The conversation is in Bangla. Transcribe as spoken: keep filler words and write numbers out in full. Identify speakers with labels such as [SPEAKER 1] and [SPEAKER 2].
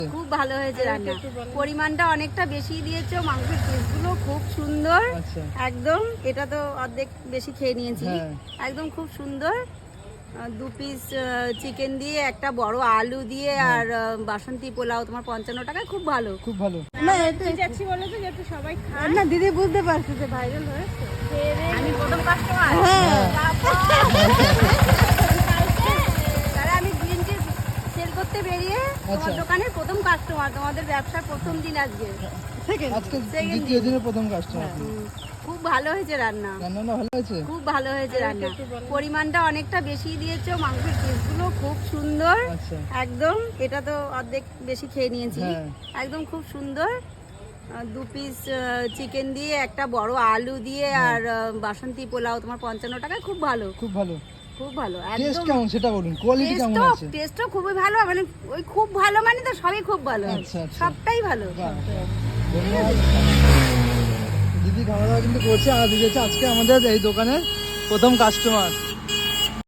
[SPEAKER 1] খুব ভালো হয়েছে রান্না, পরিমাণটা অনেকটা বেশি দিয়েছো, মাংসের পিসগুলো খুব সুন্দর একদম। এটা তো অর্ধেক বেশি খেয়ে নিয়েছি, একদম খুব সুন্দর। দু পিস চিকেন দিয়ে, একটা বড় আলু দিয়ে, আর বাসন্তী পোলাও তোমার পঞ্চান্ন টাকায়, খুব ভালো খুব ভালো। না যাচ্ছি বলো তো যাতে সবাই খায় না, দিদি বুঝতে পারছে যে ভাইরাল হয়েছে, আমি প্রথম কাস্টমার। আমি গ্রিন টি সেল করতে বেরিয়ে তোমার দোকানের প্রথম কাস্টমার, তোমাদের ব্যবসার প্রথম দিন আজকে, আজকে দ্বিতীয় দিনের প্রথম কাস্টমার। খুব ভালো হয়েছে রান্না, রান্নাটা ভালো হয়েছে, খুব ভালো হয়েছে রান্না, পরিমাণটা অনেকটা বেশি দিয়েছো, মাংসের পিসগুলো খুব সুন্দর একদম। এটা তো অর্ধেক বেশি খেয়ে নিয়েছি, একদম খুব সুন্দর। দু পিস চিকেন দিয়ে, একটা বড় আলু দিয়ে, আর বাসন্তী পোলাও তোমার পঞ্চান্ন টাকায়, খুব ভালো খুব ভালো খুব ভালো। একদম কেমন সেটা বলুন, কোয়ালিটি কেমন আছে? টেস্টও খুবই ভালো, মানে ওই খুব ভালো মানে তো সবই খুব ভালো, সবটাই ভালো। দিদি খাওয়া দাওয়া কিন্তু করছে, আর দিদি হচ্ছে আজকে আমাদের এই দোকানের প্রথম কাস্টমার।